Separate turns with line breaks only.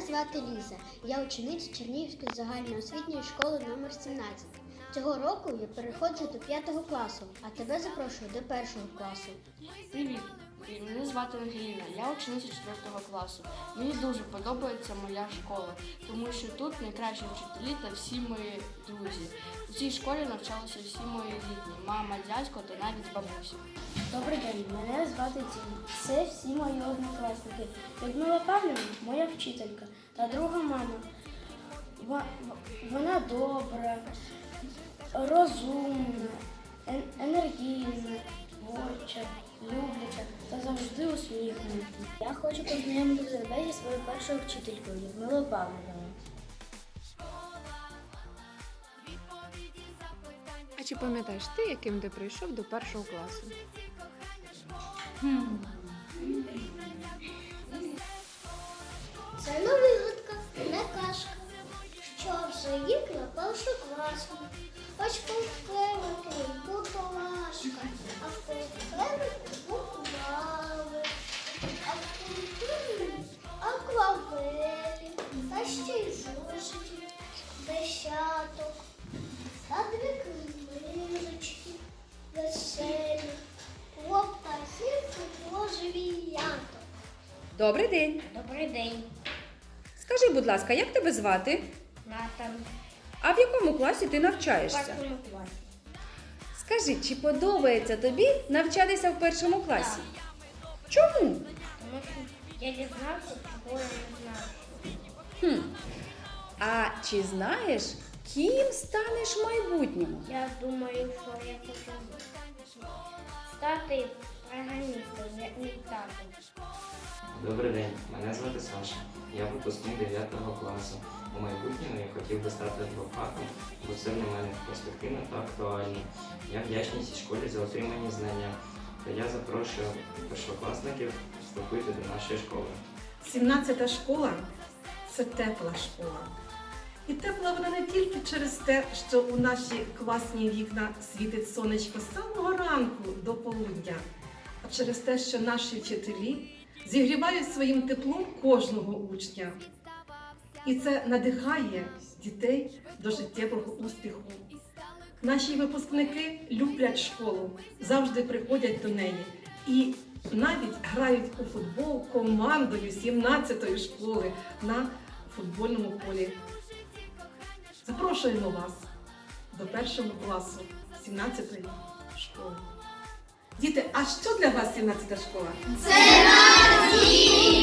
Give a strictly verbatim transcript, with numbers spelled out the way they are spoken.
звати Ліза. Я учениця Чернігівської загальноосвітньої школи номер сімнадцять. Цього року я переходжу до п'ятого класу, а тебе запрошую до першого класу.
Привіт! Мене звати Ангеліна, я учениця четвертого класу. Мені дуже подобається моя школа, тому що тут найкращі вчителі та всі мої друзі. У цій школі навчалися всі мої рідні, мама, дядько та навіть бабуся.
Добрий день, мене звати Тім. Це всі мої однокласники. Людмила Павлівна – моя вчителька та друга мама. Вона добра, розумна, енергійна, творча, любляча та завжди усміхнена. Я хочу познайомити тебе зі своєю першою вчителькою Людмилою Павлівною.
А чи пам'ятаєш ти, яким ти прийшов до першого класу?
Це не вигадка, не казка. Що вже їх на першу класу. Хоч повклевати буду важко, а в повклевати буквали, а в культурі аквавелі, та ще й зошитів, десяток, та дві книжечки, веселі, про птахів і про живіяток.
Добрий день.
Добрий день,
Скажи, будь ласка, як тебе звати?
Натан.
А в якому класі ти
В
навчаєшся?
першому класі.
Скажи, чи подобається тобі навчатися в першому класі? Чому?
Тому що я дізнався, чого я не знав.
Хм. А чи знаєш, ким станеш в майбутньому?
Я думаю, що я хочу стати програмістом, як мій тато.
Добрий день, мене звати Саша. Я випускник дев'ятого класу. У майбутньому я хотів би стати адвокатом, бо це для мене перспективно та актуально. Я вдячний цій школі за отримані знання. Та я запрошую першокласників вступити до нашої школи.
сімнадцята школа – це тепла школа. І тепла вона не тільки через те, що у наші класні вікна світить сонечко з самого ранку до полудня, а через те, що наші вчителі зігрівають своїм теплом кожного учня. І це надихає дітей до життєвого успіху. Наші випускники люблять школу, завжди приходять до неї і навіть грають у футбол командою сімнадцятої школи на футбольному полі. Запрошуємо вас до першого класу сімнадцятої школи. Діти, а що для вас сімнадцята школа?
Це наш дім!